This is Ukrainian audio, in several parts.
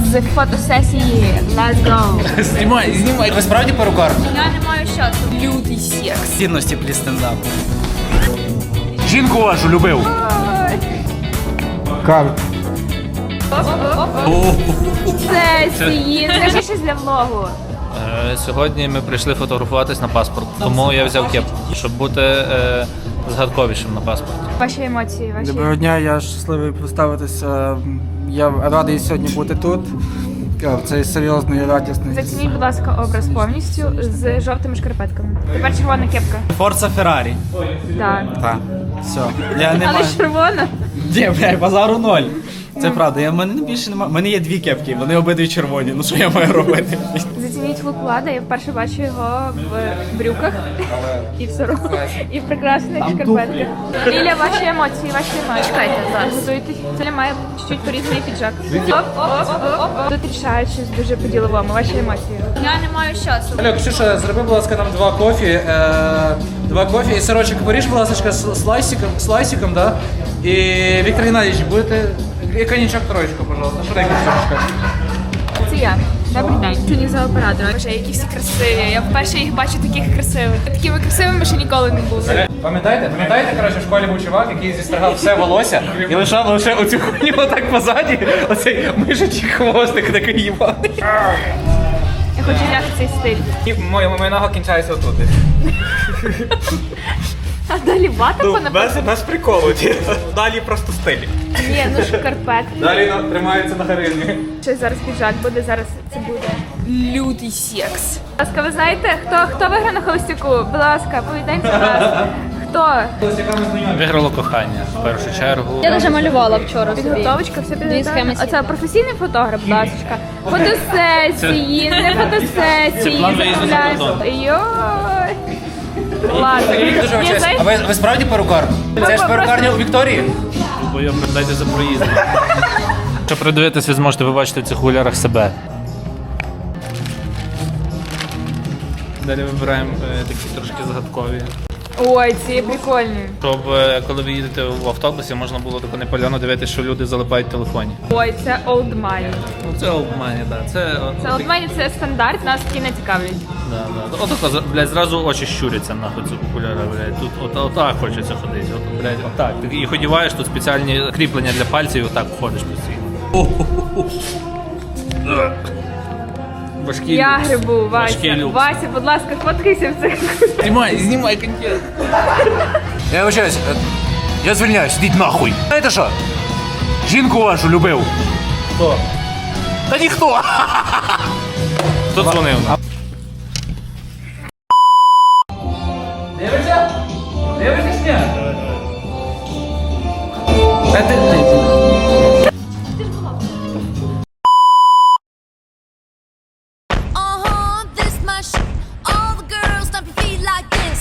з фотосесії. Let's go! Знімай. Ви справді перукар? Я не маю часу. Лютий секс. Цінності плі стендапу. Жінку вашу любив. Карп. Сесії. Скажи щось для влогу. Сьогодні ми прийшли фотографуватись на паспорт, тому я взяв кепку, щоб бути згадковішим на паспорті. Ваші емоції, ваші. Доброго дня, я щасливий представитися. Я радий сьогодні бути тут. В цей серйозний і радісний. Зацініть, будь ласка, образ повністю з жовтими шкарпетками. Тепер червона кепка. Форца Феррарі. Так. Так. Все. Я не Але маю. ж червона. Ні, блядь, базару ноль. Це правда. В мене більше немає. У мене є дві кепки, вони обидві червоні. Ну що я маю робити? Зацініть лук Влада, я вперше бачу його в брюках і в сорочці, і в прекрасних шкарпетках. Ліля, ваші емоції, ваші емоції. Чекайте, зараз. Готуйтесь. Це має чуть-чуть порізаний піджак. Оп. Тут рішають щось дуже по-діловому. Ваші емоції. Я не маю часу. Алло, Ксюша, зроби, будь ласка, нам два кофі і сирочок поріж, будь ласка, з лайсиком, да? І Віктор Геннадійович, будете... І коньячок троєчку, пожалуйста. Швиденько, Ксюшечка. Це я. Добрий день. Сьогодні за оператором. Боже, які всі красиві. Я вперше їх бачу таких красивих. Такими красивими ще ніколи не були. Пам'ятаєте, коротше, в школі був чувак, який зістригав все волосся і лишав лише оцю хуйню отак позаді, оцей мишачий хвостик такий їбаний. Я хочу взяти цей стиль. І моя нога кінчається отут. А далі вата Без приколу, далі просто стиль. Ні, ну шкарпетки. Далі тримається на харизмі. Ще зараз піджак буде, зараз це буде лютий секс. Будь ласка, ви знаєте, хто виграє на холостяку? Будь ласка, повідайте нас. Хто? Виграло кохання в першу чергу. Я вже малювала вчора собі. Підготовочка, все Дві підготовлено. схеми. Оце професійний фотограф, будь ласка. Фотосесії, не фотосесії. Це план виїзду за кордон. Йой. Ладно. Дуже Ні, вибачаюсь. знаєш, А ви справді перукар? Це ж перукарня у Вікторії? Бо я передайте за проїзд. Щоб придивитися, ви зможете побачити в цих окулярах себе. Далі вибираємо такі трошки загадкові. Ой, ці прикольні. Щоб коли ви їдете в автобусі, можна було тако непальоно дивитися, що люди залипають в телефоні. Ой, це old money. Ну це обмані, так. Це old money, це стандарт, нас такі не цікавлять. Да. Отако, блядь, зразу очі щуряться нахуй ці окуляри, блядь. Тут отак хочеться ходити. От, блядь, отак. Ти їх одягаєш, тут спеціальні кріплення для пальців, і отак ходиш постійно. Важкий Я люкс. грибу, Важкий Вася. люкс. Вася, будь ласка, фоткайся в цих. Знімай контент. Я вибачаюсь, я звільняюсь, ідіть нахуй. Знаєте що? Жінку вашу любив. Хто? Та ніхто. Хто дзвонив? Дивишся? Дивишся, сня? This my shit. All the girls stomp your feet like this.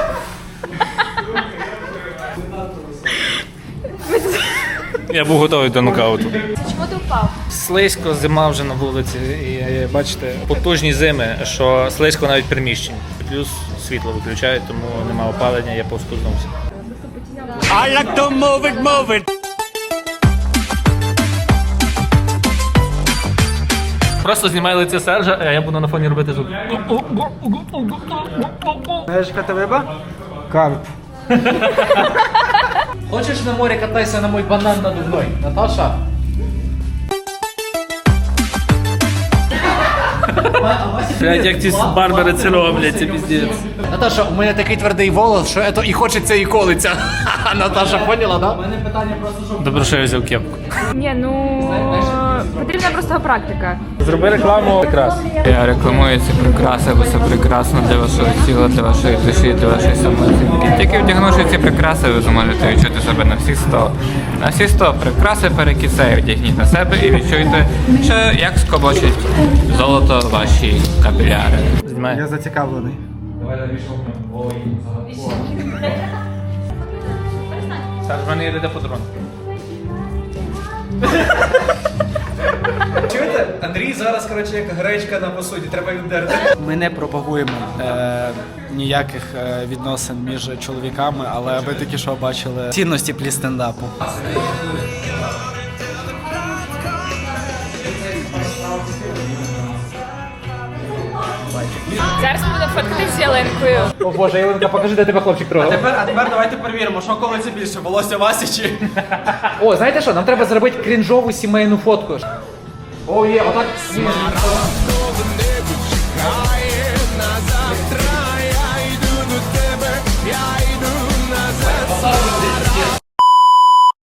Я був готовий до нокауту. Чому ти впав? Слизько, зима вже на вулиці, і бачите, потужні зими, що слизько навіть приміщень. Плюс світло виключають, тому нема опалення, я повскузнувся. I like to move it. Просто знімай лице Сержа, а я буду на фоні робити звук. Знаєш, яка ти риба? Карп. Хочеш на морі катайся на мой банан надувной, Наташа? Блядь, як ці барбери це роблять, це піздець. Наташа, у мене такий твердий волос, що це і хочеться, і колиться. Наташа, поняла, да? Добре, що я взяв кепку. Ні, ну потрібна просто практика. Зроби рекламу якраз. Я рекламую ці прикраси, бо це прекрасно для вашого тіла, для вашої душі, для вашої самооцінки. Тільки вдягнувши ці прикраси, ви зможете відчути себе на всі 100. На всі 100 прикраси перекисей вдягніть на себе і відчуйте, що як скобочить золото ваші капіляри. Знімай. Я зацікавлений. Саш, в мене є де подарунок. Чуєте? Андрій зараз, коротше, як гречка на посуді, треба віддерти. Ми не пропагуємо ніяких відносин між чоловіками, але ви тільки що бачили цінності плі стендапу. Зараз ми будемо фоткатись з ялинкою. О боже, Єленка, покажи, де тебе хлопчик трогав. А тепер давайте перевіримо, що коли це більше, волосся Васі чи... О, знаєте що, нам треба зробити крінжову сімейну фотку. О, є, отак.